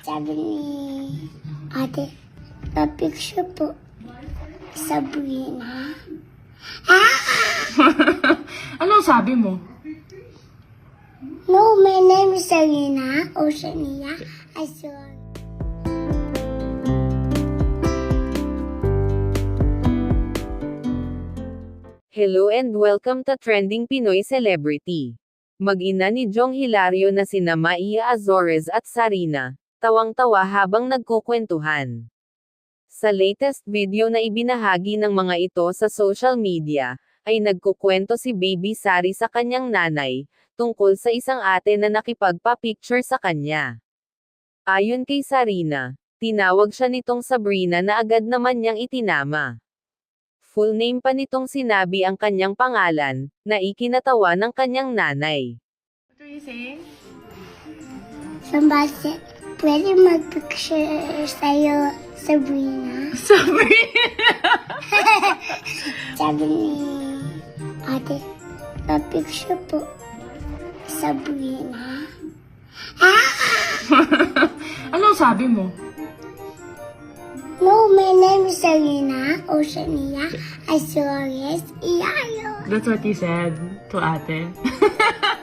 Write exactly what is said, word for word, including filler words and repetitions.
Sabi ni ate, pa-picture po. Sabrina. Ah! Anong sabi mo? No, my name is Sabrina Oceania. I saw. Hello and welcome to Trending Pinoy Celebrity. Mag-ina ni Jong Hilario na sina Maia Azores at Sarina, tawang-tawa habang nagkukwentuhan. Sa latest video na ibinahagi ng mga ito sa social media, ay nagkukwento si Baby Sari sa kanyang nanay, tungkol sa isang ate na nakipagpa-picture sa kanya. Ayon kay Sarina, tinawag siya nitong Sabrina na agad naman niyang itinama. Full name pa nitong sinabi ang kanyang pangalan, na ikinatawa ng kanyang nanay. What are you saying? Somebody, pwede mag-picture sa'yo, Sabrina. Sabrina! Sabi ni ate, pa-picture po. Sabrina. Ah! Anong sabi mo? No, my name is Sabrina Oceania. I saw yes, Iayo. That's what you said to ate.